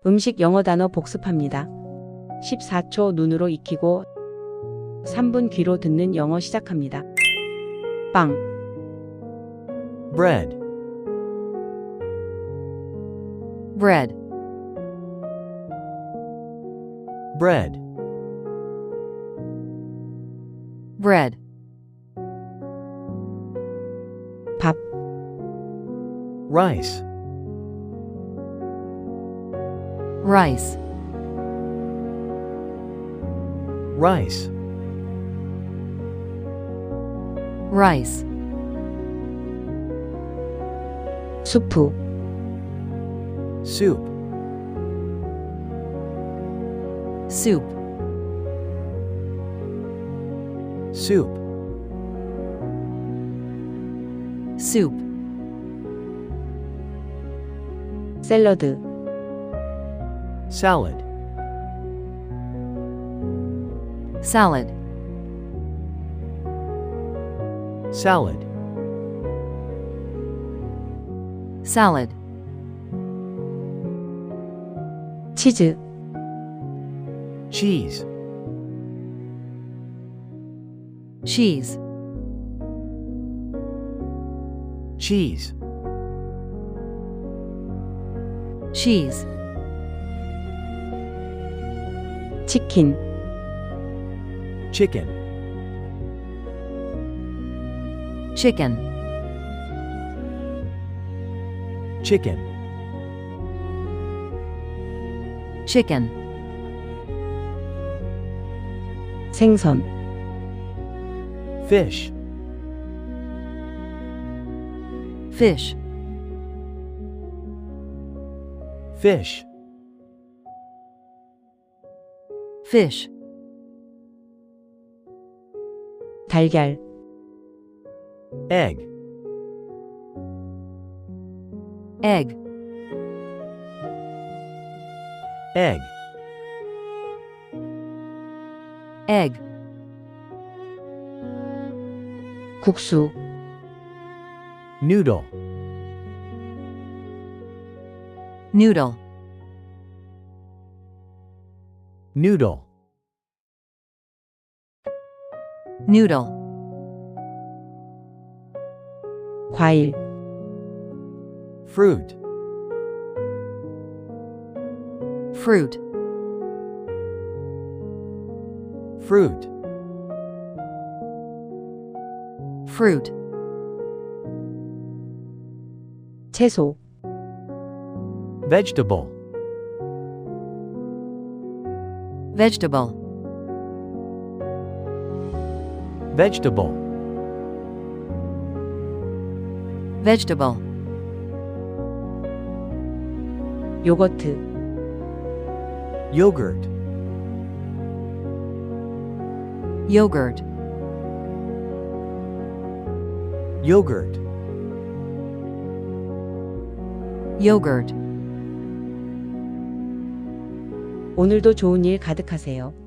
음식 영어 단어 복습합니다. 14초 눈으로 익히고 3분 귀로 듣는 영어 시작합니다. 빵, bread, bread, bread, bread, 밥, rice, rice, rice, rice, 수프, soup, soup, soup, soup, 샐러드, salad, salad, salad, salad, 치즈, cheese, cheese, cheese, cheese, 치킨, chicken, chicken, chicken, chicken, 생선, fish, fish, fish, fish, 달걀, egg, egg, egg, egg, 국수, noodle, noodle, noodle, noodle, 과일, fruit, fruit, fruit, fruit, 채소, vegetable, vegetable, vegetable, vegetable, 요거트, yogurt, yogurt, yogurt, yogurt. 오늘도 좋은 일 가득하세요.